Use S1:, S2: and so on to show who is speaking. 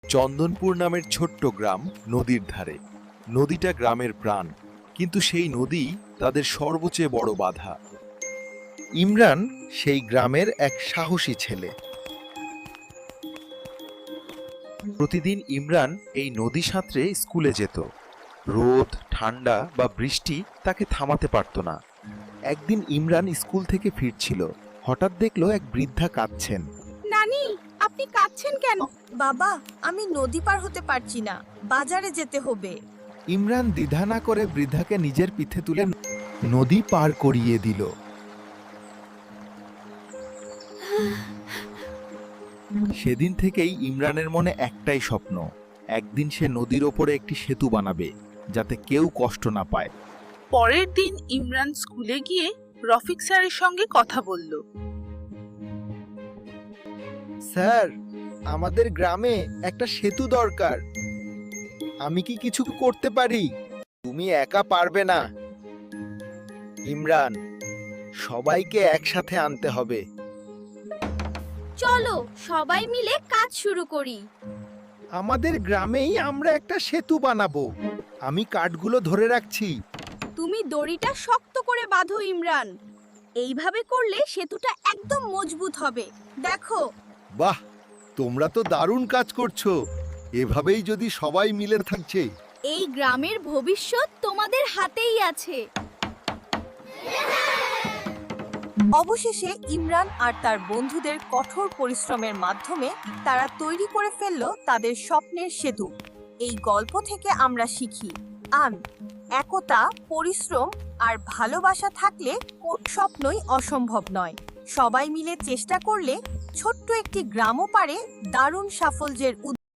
S1: চন্দনপুর নামের ছোট্ট গ্রাম নদীর ধারে। নদীটা গ্রামের প্রাণ, কিন্তু সেই নদী তাদের সর্বচেয়ে বড় বাধা।
S2: ইমরান সেই গ্রামের এক সাহসী ছেলে।
S1: প্রতিদিন ইমরান এই নদী সাঁতরে স্কুলে যেত। রোদ, ঠান্ডা বা বৃষ্টি তাকে থামাতে পারত না। একদিন ইমরান স্কুল থেকে ফিরছিল, হঠাৎ দেখলো এক বৃদ্ধা কাঁদছেন।
S3: নানি, আপনি কাঁদছেন কেন?
S4: বাবা, আমি নদী পার হতে পারছি না, বাজারে যেতে হবে।
S2: ইমরান দ্বিধা না করে বৃদ্ধাকে নিজের পিঠে তুলে নদী পার করিয়ে দিল।
S1: সেদিন থেকেই ইমরানের মনে একটাই স্বপ্ন, একদিন সে নদীর ওপরে একটি সেতু বানাবে, যাতে কেউ কষ্ট না পায়।
S3: পরের দিন ইমরান স্কুলে গিয়ে রফিক স্যারের সঙ্গে কথা বলল।
S2: স্যার, আমাদের গ্রামে একটা সেতু দরকার। আমি কি কিছু করতে পারি? তুমি একা পারবে না ইমরান, সবাইকে একসাথে আনতে হবে।
S5: চলো সবাই মিলে কাজ শুরু করি।
S2: আমাদের গ্রামেই আমরা একটা সেতু বানাবো। আমি কাঠগুলো ধরে রাখছি।
S4: তুমি দড়িটা শক্ত করে বাঁধো ইমরান। এইভাবে করলে সেতুটা একদম মজবুত হবে। দেখো,
S2: বাহ, তোমরা তো দারুণ কাজ করছো। এভাবেই যদি সবাই মিলে থাকছে।
S5: এই গ্রামের ভবিষ্যৎ তোমাদের হাতেই আছে।
S4: অবশেষে ইমরান আর তার বন্ধুদের কঠোর পরিশ্রমের মাধ্যমে তারা তৈরি করে ফেলল তাদের স্বপ্নের সেতু। এই গল্প থেকে আমরা শিখি, একতা, পরিশ্রম আর ভালোবাসা থাকলে কোন স্বপ্নই অসম্ভব নয়। সবাই মিলে চেষ্টা করলে ছোট্ট একটি গ্রামও পারে দারুণ সাফল্যের